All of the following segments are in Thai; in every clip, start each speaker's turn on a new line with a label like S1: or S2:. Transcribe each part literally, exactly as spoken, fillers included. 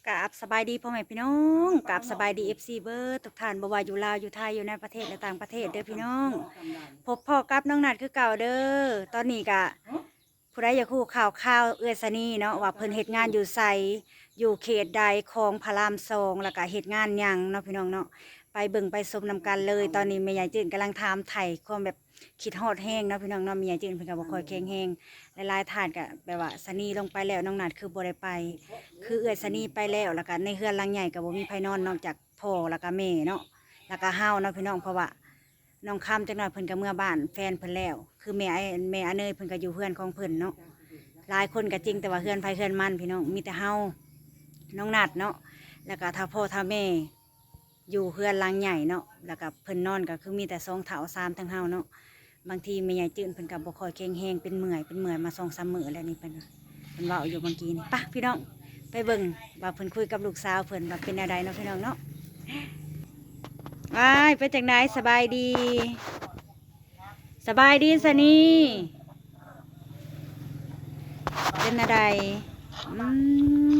S1: กราบสบายดีพ่อแม่พี่น้องกราบสบายดีเอฟซีเบิร์ดทุกท่านบ่ว่าอยู่ลาวอยู่ไทยอยู่ในประเทศและต่างประเทศเด้อพี่น้องพบพ่อกับน้องนัดคือเก่าเด้อตอนนี้กะผู้ใดอยากคู่ข่าวข่าวเอื้อสนีเนาะว่าเพิ่นเฮ็ดงานอยู่ไสอยู่เขตใดของพระรามสองแล้วก็เฮ็ดงานหยังเนาะพี่น้องเนาะไปเบิ่งไปชมนำกันเลยตอนนี้แม่ใหญ่จื้นกำลังถามไถ่ความแบบคิดฮอดแห้งเนาะพี่น้องเนาะแม่ใหญ่จื้นเพิ่นก็บ่ค่อยแข็งแรงหลายๆท่านก็แบบว่าสนีลงไปแล้วน้องนัดคือบ่ได้ไป คือเอื้อยสนีไปแล้วแล้วก็ในเฮือนหลังใหญ่ก็บ่มีไผนอนนอกจากพ่อแล้วก็แม่เนาะแล้วก็เฮาเนาะพี่น้องเพราะว่าน้องคำจักหน่อยเพิ่นก็เมื่อบ้านแฟนเพิ่นแล้วคือแม่ไอ้แม่อเนยเพิ่นก็อยู่เฮือนของเพิ่นเนาะหลายคนก็จริงแต่ว่าเฮือนไผเฮือนมันพี่น้องมีแต่เฮาน้องนัดเนาะแล้วก็ถ้าพ่อถ้าแม่อยู่เฮือนหลังใหญ่เนาะแล้วก็เพิ่นนอนก็คือมีแต่สองเฒ่าสามทั้งเฮาเนาะบางทีแม่ใหญ่จื้นเพิ่นก็บ่ค่อยแข็งแรงเป็นเมื่อยเป็นเมื่อยมา สองสาม มื้อแล้วนี่เพิ่นเพิ่นเว้าอยู่เมื่อกี้นี่ปะพี่น้องไปเบิ่งว่าเพิ่นคุยกับลูกสาวเพิ่นว่าเป็นอะไรเนาะพี่น้องเนาะว้ายเป็นจังไดสบายดี สบายดีสนี่เป็นอะไรอืม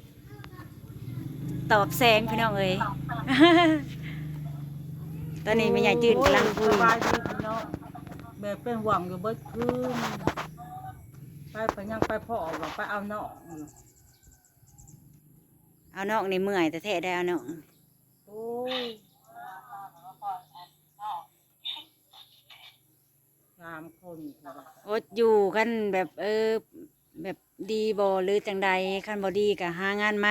S1: ตอบแสงพี่น้องเอ้ย ตอนนี้แม่ใหญ่จืนกำลังคุย
S2: สบายดีพี่น้องแบบเป็นหวังอยู่เบิดคืนไปไปยังไปพ่อว่าไปเอาน้อง
S1: เอาน้องในเมื่อยแต่แท้ได้เอาน้อง
S2: โอ้ยสามคนค่ะ
S1: อดอยู่กันแบบเออแบบดีบ่หรือจังใดคันบ่ดีก็หางานใหม่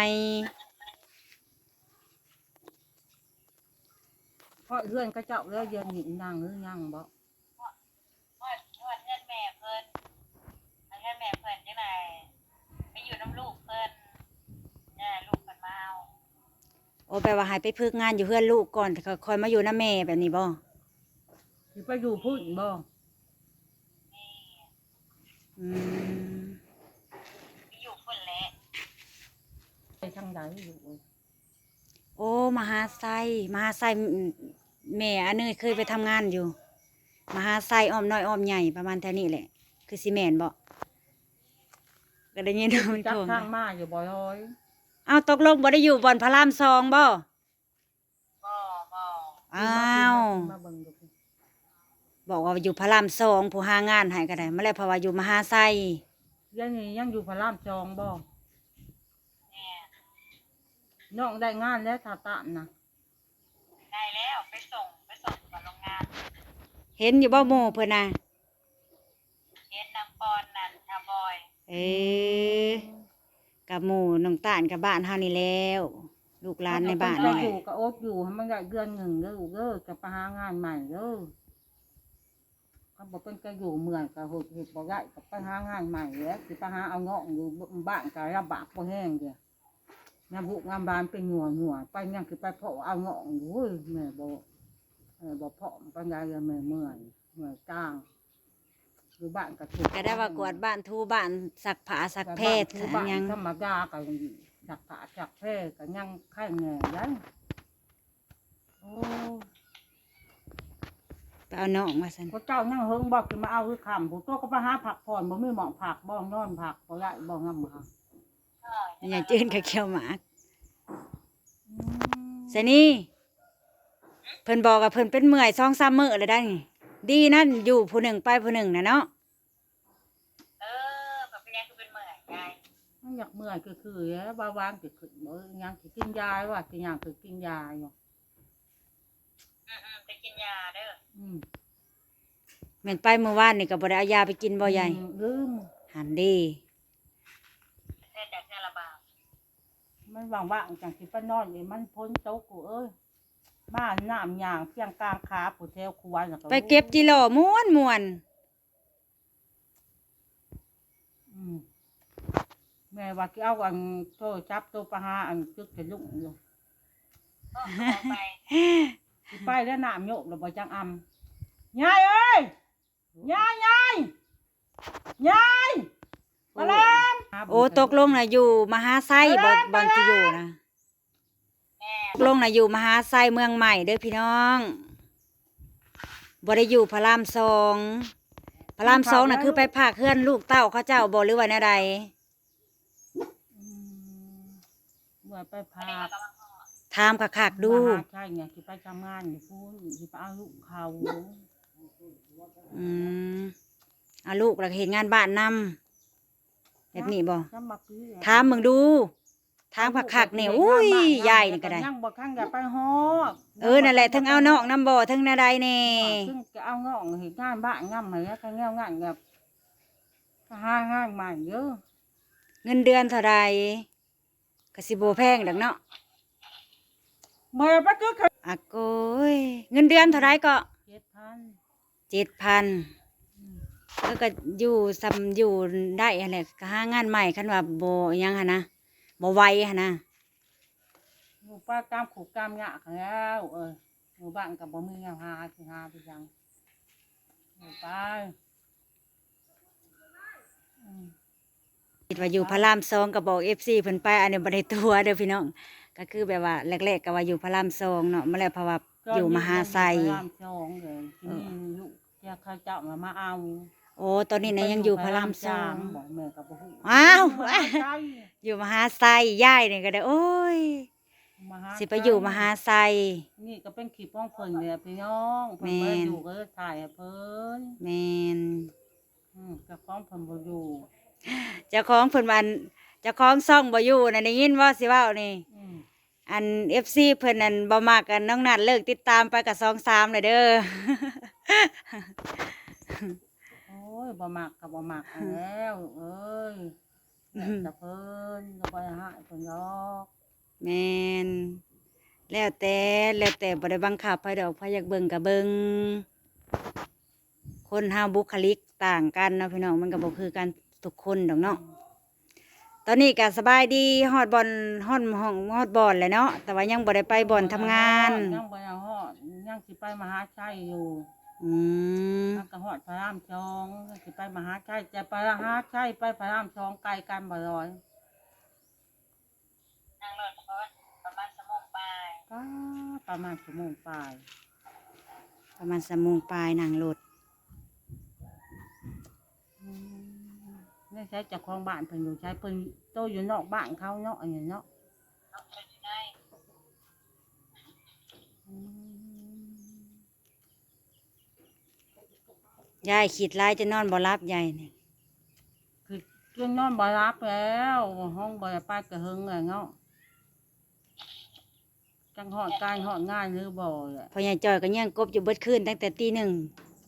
S2: เพราะเพื่อนก็เจ้าแล้วเย็นหนินางหรือยังบ่
S3: นวดนวดเงินแม่เพิ่นเอาเงินแม่เพิ่นจังไดไปอยู่น้ำลูกเพิ่นเนี่ยลูกเพิ่นมาเอา
S1: โอ้แปลว่าให้ไปพึกงานอยู่เพื่อนลูกก่อนแต่ก็คอยมาอยู่น้าแม่แบบนี้บ่
S2: ที่ไปอยู่พุ่นบ่
S3: นี่
S1: อืม
S3: ไปอยู่เพิ่นแหละ
S2: ไปทางใดอยู่
S1: โอ้มหาไซมหาไซแม่อันเนยเคยไปทำงานอยู่ มหาไซอ้อมน้อยอ้อมใหญ่ประมาณแถวนี้แหละ คือซีเมนบ่ก็ได้ยินมัน
S2: จั
S1: โท
S2: ก
S1: ร
S2: ทางมาอยู่บ่อยอย
S1: เอาตกลงบ่ได้อยู่บ่อนพระรามสองบ่
S3: บ่บ่
S1: อ้าว
S2: มาเบิ่งดูพี่
S1: บอกว่าอยู่พระรามสองผู้หางานให้ก็ได้มาแล้วเพราะว่าอยู่มหาไซ
S2: ยังนี่ยังอยู่พระรามจองบ่
S3: แม่
S2: น้องได้งานแล้วตาตานนะ
S3: ได้แล้วไปส่งไปส่งกับโรงงาน
S1: เห็นอยู่บ่โมเพิ่นน่ะ
S3: เฮ็ดนางปอนนั่นชาบอย
S1: เออกับหมู่น้องตาลกับบ้านเฮานี่แล้ว ลูกหลานในบ้าน
S2: ก็
S1: นี่แห
S2: อ
S1: ละ
S2: ยู่กับโอ๊ตอยู่ให้มันได้เดือนหนึ่งเด้อลูกเด้อจะไปหางานใหม่เด้อเขาบอกเป็นก็อยู่เมืองกับหุดหุดบอกได้ก็ไปหางานใหม่แล้วสิไปหาเอาเงาะอยู่บ้านก็ลำบากพอแห้งเดียวงานบุกงานบานเป็นหนัวหนัวไปยังคือไปเพาะเอาเงาะอยู่เว้ยแม่บอกแม่บอกเพาะปัญญาเลยแม่เมื่อยเมื่อยจ้างอยู่บ้านก็ถูก
S1: ก็ได้ว่ากวาดบ้านทูบ้านสักผ้าสักเพศ
S2: อยู่บ้าน
S1: ยัง
S2: ธรรมดาก็จักผ้าจักแพร่ก็ยังไข่แง่ยังโอ้
S1: ไปเอาน้องมาซั่น
S2: พระเจ้านั่งเฮิงบอกคือมาเอาคือคำผู้โตก็ไปหาผักผ่อนบ่มีหมองผักบ่นอนผักบ่ได้บ่งำค่ะ
S3: เออ
S1: อย่าจื้นกับเขียวหมากซะนี่เพิ่นบอกว่าเพิ่นเป็นเมื่อยสองสามมื้อแล้วได้นี่ดีนั่นอยู่ผู้หนึ่งไปผู้หนึ่งน่ะเนาะ
S3: เออแบบเป็นยังคือเป็นเมื่อยไง
S2: มันอยากเมื่อยคือคือแล้วบาวางก็ขึ้นบ่ยังสิกินยาว่าสิยังคือกินยาอยู่
S3: อืมอืมไปกินยาเด้อ
S2: อืม
S1: แม่นไปเมื่อวานนี่ก็บ่ได้เอายาไปกินบ่ใหญ่
S2: อืมลืม
S1: หันดี
S3: เฮ็ดจากเนี่ยระบาด
S2: มันว่างๆจังสิไปนอนนี่มันพ้นโต๊ะกูเอ้ยบ้านน้ำยางเพียงกลางขาผู้แถวครัวน่ะ
S1: ไปเก็บจิโร่ม่วนม่วน
S2: อืมแม่ว่าสิเอาอันโทรจับตัวปลาหาอันจึกจะลุกอยู่
S3: ก็เอาไป
S2: สิไปแล้วน้ำโยกแล้วบ่จังอำยายเอ้ยยายยายยายมาแล้ว
S1: โอ้ตกลงน่ะอยู่มหาไซบ่บ่อนที่อยู่นะ
S3: แม่
S1: ตกลงน่ะอยู่มหาไซเมืองใหม่เด้อพี่น้องบ่ได้อยู่พระรามสองพระรามสองน่ะคือไปพากเฮือนลูกเต้าเขาเจ้าบ่หรือว่าแนวใด
S2: อืมบ่ว่าไปพา
S3: นี่ก็กำลัง
S1: ถามคักๆดู
S2: มาหาใช่เนี่ยที่ไปทำงานอยู่พูนที่ไปเอาลูกเขา
S1: อืมเอาลูกแล้วก็เฮ็ดงานบ้านนำแบบนี้บ่
S2: จำบักพี่
S1: ถามมึงดูถามคักๆเนี่ยอุ้ยยายนี่ก็ได้
S2: ยังบ่ข้างอย่าไปฮอด
S1: เออนั่นแหละทั้งเอานอกน้ำบ่ทั้งนาใดแน่
S2: ซึ่งจะเอางอกเห็นงานบ้านงานไหนก็เงี้ยงานแบบหางานใหม่เยอะ
S1: เงินเดือนเท่าใดก็สิบ่แพงดอกเนาะ
S2: เมื่อไปก็คือ
S1: อะโกยเงินเดือนเท่าใดก็
S2: เจ็ดพัน
S1: เจ็ดพันแล้วก็อยู่ซ้ำอยู่ได้อะไรก็หางานใหม่คันว่าบ่หยังหั่นนะบ่ไหวหั่นนะ
S2: หมู่ป้ากามขู่กามยากแล้วเออหมู่บ้านกับบ่มีเงาหาสิหาไปยังหมู่ป้าอืม
S1: คิดว่าอยู่พระรามสองก็บอก เอฟ ซี เพิ่นไปอันนี้บ่ได้ตัวเด้อพี่น้องก็คือแบบว่าแรกๆก็ว่าอยู่พระรามสองเนาะมาแล้วเพราะว่าอยู่มหาไซ
S2: พระรามสองเลยที่นี่ลูกเจ้าข้าเจ้ามามาเอา
S1: โอ้ตอนนี้นะยังอยู่พระรามสอง
S2: บอกแม่กับบ่ฮู้
S1: อ้าว
S2: มหาไซ
S1: อยู่มหาไซยายนี่ก็ได้โอ้ย
S2: มหา
S1: สิไปอยู่มหาไซ
S2: นี่ก็เป็นขีป้องเพิ่นเนี่ยพี่น้อง
S1: แม่
S2: เพิ่น
S1: น
S2: บ่อยู่ก็ถ่ายให้เพิ่น
S1: แม่น
S2: อืมกับป้องเพิ่นบ่อยู่
S1: เจ้าของเพิ่นว่าอันเจ้าของซ่องบ่อยู่น่ะได้ยินว่าสิเว้านี่
S2: อืม
S1: อัน เอฟ ซี เพิ่นนั่นบ่มักกันน้องนัดเลิกติดตามไปกับสองสามเลยเด้อ
S2: โอ้ยบ่มักก็บ่มักแล้วเอ้ยแล้วแต่เพิ่นก็บ่ได้หายเพิ่นหรอก
S1: แม่นแล้วแต่แล้วแต่บ่ได้บังคับไผดอกไผอยากเบิ่งก็เบิ่งคนเฮาบุคลิกต่างกันเนาะพี่น้องมันก็บ่คือกันทุกคนดอกเนาะตอนนี้ก็สบายดีฮอดบอลฮอดห้องฮอดบอลแหละเนาะแต่ว่ายังบ่ได้ไปบอลทำงาน
S2: ยังบ่ได้ฮอดยังสิไปมหาชัยอยู่
S1: อืม
S2: มันก็ฮอดพระรามสองยังสิไปมหาชัยจะไปมหาชัยไปพระรามสองไกลกันบ่ร้อย
S3: นั่งรถเพราะว่าประมาณสมองปลาย
S2: ก็ประมาณชั่วโมงปลาย
S1: ประมาณสามโมงปลายนั่งรถ
S2: อืมนี่ใช้เจากของบ้านเพิ่นอยู่ใช้เพิ่นโตอยู่นอกบ้านเขาเนาะอันนี้เนาะ
S3: น้องเพิ่นอยู่ใน
S2: อืม
S1: ยายคิดหลายจะนอนบ่หลับยายนี่
S2: คือจนนอนบ่รับแล้วห้องบ่ได้ไปกระหึงเลยเนาะจังหอดการหอดง่ายหรือบ่แหละ
S1: พ่อใหญ่จอยก็ยังกบอยู่เบิดคืนตั้งแต่ตีหนึ่ง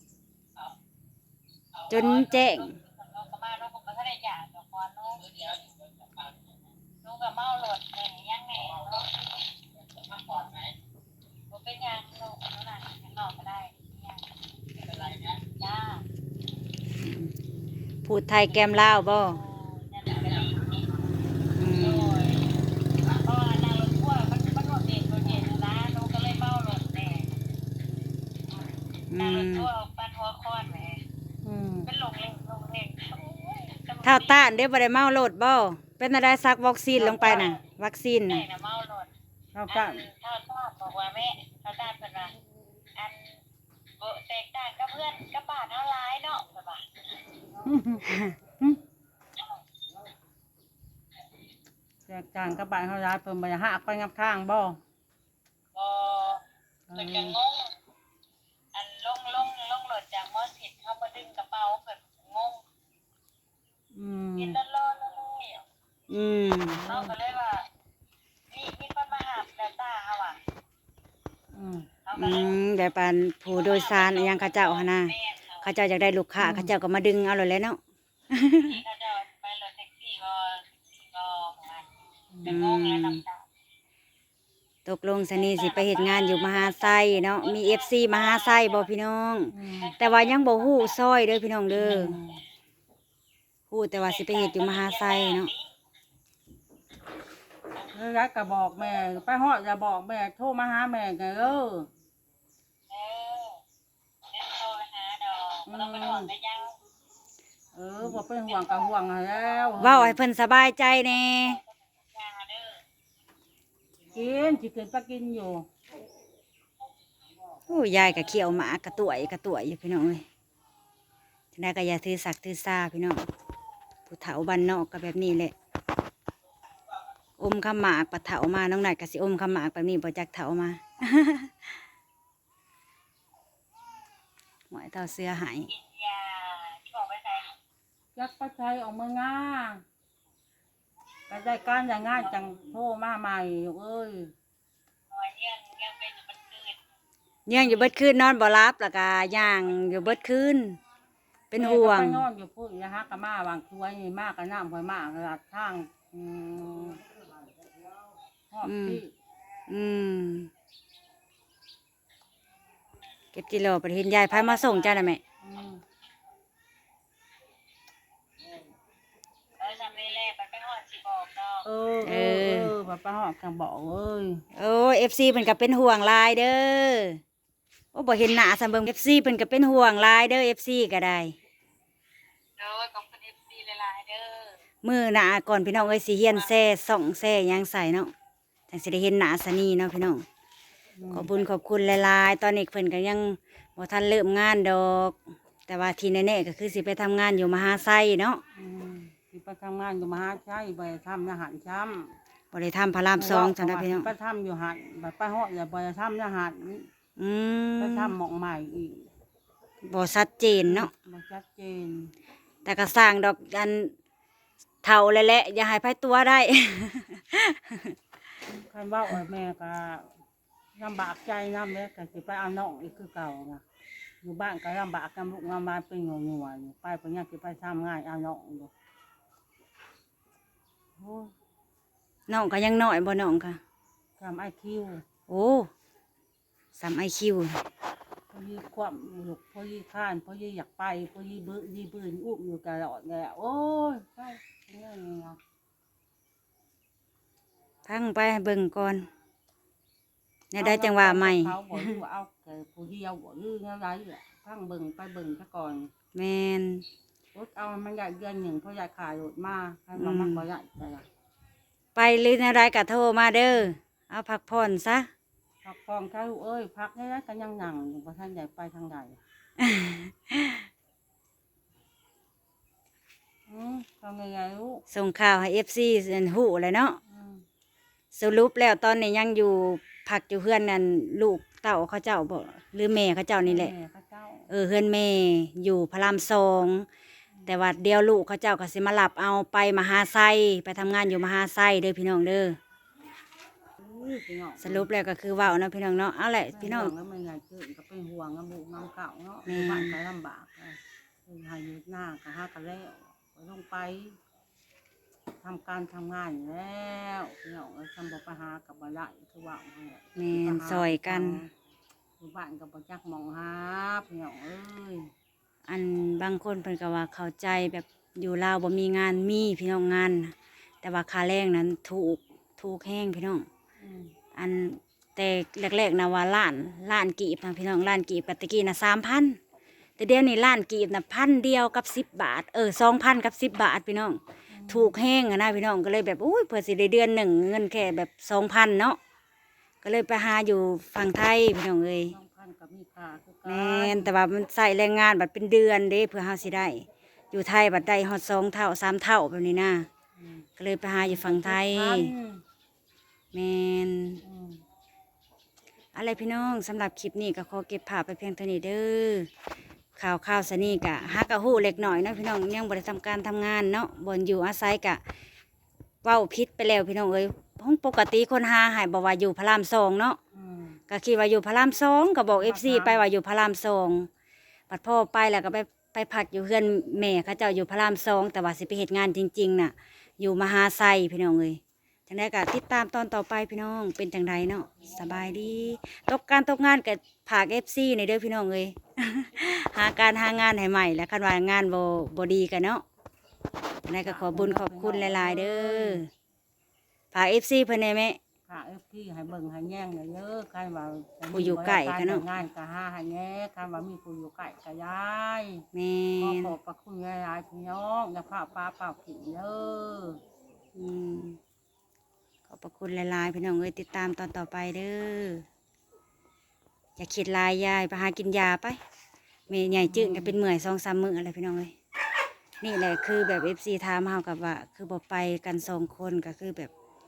S1: จนแจ้ง
S3: น้องก็มาน้องก็บ่ทันได้หย่าดอกก่อนน้องน้องก็เมารถแหน่ยังแหน่เนาะบ่เป็นหยังน้องน้องน่ะยังนอกก็ได้ยังไม่เป็นไรนะจ้า
S1: พูดไทยแกมลาวบ่
S3: โอ้นั่นน่ะก็ดี
S1: อื
S3: โอ้
S1: ม
S3: ยเพราะว่านางรถพ่วงมันมันรถเด็กรถเด็กนะน้องก็เลยเมารถแหน่
S1: อื
S3: นางรถ
S1: ม
S3: พ่วงปันหัวคอนแหม
S2: อืม
S3: เป็นหลงเล่งหลงเล่งโอ้ยตำรวจ
S1: เท่าต้านเด้บ่ได้เมาโลดบ่เป็นอะไรซักวัคซีนลงไปน่ะ วัคซีน
S3: ไหน
S1: น่ะ
S3: นะเมารถ
S2: เขา
S3: อั
S2: ก็
S3: นเท่าทอดบอกว่าแม่เท่าทอดเป็นว่าอันโบแตกต่างกับเพื่อนกับบาทเท่าร้ายเนาะแบบว่า
S2: แจกจางกับบ้านเขาย้ายเพิ่นบ่ได้หักไปงับข้างบ่
S3: บอเป็นกังงงอันลงลงลงรถจากมอสิดเข้ามาดึงกระเป๋าเกิดงง
S2: อืม
S3: กินแล้วรอแล้วเลย
S1: อืม
S3: เขาก็เลยว่ามีมีคนมาหาแต่ตาเขาอ่ะ
S2: อืม
S3: เขาก็
S1: อื
S3: เลย
S1: มแบบปานผู้โดยสารอิหยังเขาเจ้าหั่นน่ะ
S3: แม่เขา
S1: เขาเจ้าอยากได้ลูกค้าเขาเจ้าก็มาดึงเอาเลยแหล้วเนาะ
S3: ที่เขาจะไปรถแท็กซี่ก็ก็เป็นงงแล้วน้ำตา
S1: ตกลงสนีสิไปเฮ็ดงานอยู่มหาไซเนาะมี เอฟ ซี มหาไซบ่พี่น้อง
S2: อืม
S1: แต่ว่ายังบ่ฮู้ซอยเด้อพี่น้องเด้อฮู้แต่ว่าสิไปเฮ็ดอยู่มหาไซเนาะ
S2: แล้วยายก็บอกแม่ไปฮอดอย่าบอกแม่โทรมาหาแม่ไงเด้อ
S3: เออเดินโทรหาดอกบ่ต้องเป็นห่วงกันยัง
S2: เออบ่เป็นห่วงก็ห่วงแล้ว
S1: เว้าให้เพิ่นสบายใจแน่
S3: ยาเด้อ
S2: กินสิขึ้นไปกินอยู่
S1: โอ้ยายก็เขียวหมากระต่วยกระต่วยอยู่พี่น้องเอ้ยจังได๋ก็อย่าถือสักถือซาพี่น้องผู้เฒ่าบ้านนอกก็แบบนี้แหละโอ้มขมากปัดเถามาน้องหนัดกับสิอมขมากแบบนี้บ่จักเถามา หมอยเท่าเสื้อหาย
S3: กินยาที่บอกไปใส่
S2: ยักษ์ประชัยออกเมืองง่าไปได้การอย่างง่ายจังโทรมาใหม่อยู่เอ้ย
S3: หน่อยยังยังเป็นอยู่บนคืน
S1: ย่างอยู่เบิดคืนนอนบ่รับแล้วก็ย่างอยู่เบิดคืนเป็นห่วง
S2: แม่ก็ไปนอนอยู่พูดนะฮะกะมาบางช่วยนี่มากกะน้ำคอยมากหลัดทางอืมหอบที่
S1: อืมเก็บกิโลไปเห็นยายพามาส่งจ้าน่ะแม่
S2: อืม
S3: เออทำเวลาไปไปหอดสิบอกเนาะ
S2: เออเออเออแบบป้าหอบจังบอกเอ้ย
S1: โอ้เอฟซีเพิ่นก็เป็นห่วงหลายเด้อโอ้บ่เห็นหน้าซำเบิ่งเอฟซีเพิ่นก็เป็นห่วงหลายเด้อเอฟซีก็ได้
S3: เด้อขอบคุณเอฟซีหลายๆเด้อ
S1: มื้อหน้าก่อนพี่น้องเอ้ยสิเฮียนแซ่ส่องแซ่หยังใส่เนาะจังสิได้เห็นหน้าสนีเนาะพี่น้องขอบคุณขอบคุณหลายๆตอนนี้เพิ่นก็ยังบ่ทันเริ่มงานดอก แต่ว่าที่แน่ๆก็คือสิไปทำงานอยู่มหาไซเนาะ
S2: อืมที่ไปทำงานอยู่มหาชัยไปทำอาหารช้
S1: บ่ได้ทำพระราม
S2: ำ
S1: สองจังได๋พี่น้อง
S2: ไปทำอยู่หันแบบป้าหอบอย่าไปทำอาหาร
S1: อืม
S2: ไปทำหมองใหม่อีก
S1: บ่ชัดเจนเนาะ
S2: มันชัดเจน
S1: แต่ก็สร้างดอกอันเท่าเลยแหละอย่าให้ไผตัวได้
S2: คันว่าโอ้ยแม่ก็ลำบากใจน้ำเลยก็สิไปเอาน้องอีกคือเก่านะอยู่บ้านก็ลำบากกันลูกงานบ้านเป็นหัวหัวอยู่ไปเพราะยังสิไปทำงานเอาน้องอยู่โอ้ย
S1: น้องก็ยังน้อยบ่น้องค่ะ
S2: ทำไอคิว
S1: โอ้สามไอคิว
S2: พอยี่ความลูกพอยี่ข้านพอยี่อยากไปพอยี่บื้อยี่บื้นอุ้มอยู่ตลอดเลยอะโอ้ยไปเรื่องนี้นะ
S1: พังไปเบิ่งก่อนเนี่ยได้จังหวะใหม่
S2: เขาบอกอยู่ว่าเอาแต่ผู้เดียวบอกอยู่อะไรแหละพังเบิ่งไปเบิ่งซะก่อน
S1: แมน
S2: รถเอามันใหญ่เดือนหนึ่งเพราะใหญ่ขายรถมาให้มามันก็ใหญ่แต่ละ
S1: ไปหรืออะไรก็โทรมาเด้อเอาพักผ่อนซะ
S2: พักฟองใช้ลูกเอ้ยพักได้แล้วก็ยังหนังอยู่เพราะท่านใหญ่ไปทางใดอืมทำยังไงลูก
S1: ส่งข่าวให้เอฟซีหูเลยเนาะ
S2: อืม
S1: สรุปแล้วตอนนี้ยังอยู่พักอยู่เพื่อนนั่นลูกเต่าเขาเจ้าบ่หรือแม่เขาเจ้านี่แหละ
S2: ม่พระเจ้า
S1: เออเพื่อนแม่อยู่พระรามสองแต่ว่าเดียวลูกเขาเจ้าก็สิมาหลับเอาไปมหาไซไปทำงานอยู่มหาไซเด้อพี่น้องเด้อ
S2: อุ้ยพี่น้อง
S1: สรุปแล้วก็คือเว้าเนาะพี่น้องเนาะเอาแหละพี่น้อง
S2: แล้วมันใหญ่ขึ้นก็เป็นห่วงน้ำบุกน้ำเก่าเนาะ
S1: แม่
S2: บ้านก็ลำบากเลยคือหาอยู่หน้าก็หากันแล้วก็ต้องไปทำการทำงานอยู่แล้วพี่น้องเอ้ยทำบ่ไปหากับบ่ได้คือว่าเอาแหละ
S1: แม่นซอยกัน
S2: อยู่บ้านกับบ่จักหมองหาพี่น้องเอ้ย
S1: อันบางคนเพิ่นก็ว่าเข้าใจแบบอยู่ลาวบ่มีงานมีพี่น้องงานน่ะแต่ว่าค่าแรงนั้นถูกถูกแห้งพี่น้อง
S2: อืม
S1: อันแต่แรกๆนะว่าล้านล้านกีบนะพี่น้องล้านกีบกับตะกี้นะสามพันแต่เดี๋ยวนี้ล้านกีบนะพันเดียวกับสิบบาทเออสองพันกับสิบบาทพี่น้องถูกแห้งอะนะพี่น้องก็เลยแบบอุ้ยเผื่อสิได้เดือนหนึ่งเงินแค่แบบสองพันเนาะก็เลยไปหาอยู่ฝั่งไทยพี่น้องเอ้ย
S2: น้องพันกับมีค่าคือกั
S1: แม่นแต่ว่ามันใส่แรงงานบัดเป็นเดือนเด้เพื่อเฮาสิได้ อยู่ไทยบัดได้ฮอดสองเท่าสามเท่าแบบนี้นะ
S2: อืม
S1: ก็เลยไปหาอยู่ฝั่งไทย
S2: พัน
S1: แม่น
S2: อืม
S1: อะไรพี่น้องสำหรับคลิปนี้ก็ขอเก็บภาพไปเพียงเท่านี้เด้อข่าวข่าวสนี่กะฮักกะฮู้เล็กหน่อยเนาะพี่น้องยังบ่ได้ทำการทำงานเนาะบนอยู่อาศัยกะเว้าพิษไปแล้วพี่น้องเอ้ยห้องปกติคนหาหายบอกว่าอยู่พระรามสองเนาะ
S2: อืม
S1: ก็คิดว่าอยู่พระรามสองก็บอกเอฟซีไปว่าอยู่พระรามสองปัดพ่อไปแล้วก็ไปไปพักอยู่เพื่อนแม่เขาเจ้าอยู่พระรามสองแต่ว่าสิไปเหตุงานจริงๆน่ะ อยู่มหาไซพี่น้องเอ้ยจังได้ก็ติดตามตอนต่อไปพี่น้องเป็นจังไดเนาะสบายดีตกการตกงานกับผากเอฟซีในเด้อพี่น้องเอ้ย หาการหางานให้ใหม่แล้วคันว่างานบ่บ่ดีกันเนาะจังได้ก็ขอบุญขอบคุณหลายๆเด้อผากเอฟซีเพิ่นได้ไหม
S2: ค่ะเอฟที่ให้เบิ่งให้แย่งเลยเด้อใครว่า
S1: ผู้อยู่ใกล้กันเนาะ
S2: งานก็หาให้แย่ใครว่ามีผู้อยู่ใกล้ก็ย้าย
S1: แม่
S2: ขอน ขอบพระคุณหลายๆพี่น้องอย่าพาป้าเปล่าผิดเด้อ
S1: อืมขอบพระคุณหลายๆพี่น้องเอ้ยติดตามตอนต่อไปเด้ออย่าคิดหลายยายไปหากินยาไปเมย์ใหญ่จืดก็เป็นเมื่อยสองสามมื้ออะไรพี่น้องเอ้ยนี่แหละคือแบบเอฟซีถามเฮากับว่า คือบอกไปกันสองคนก็คือแบบ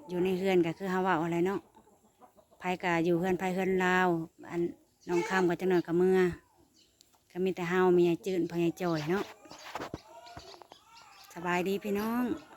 S1: อยู่ในเฮือนก็คือเฮาเว้าอะไรเนาะไผก็อยู่เฮือนไผเฮือนลาวอันน้องข้ามก็จังหน่อยก็เมื่อก็มีแต่เฮามียายจื้นพ่อยายจ่อยเนาะสบายดีพี่น้อง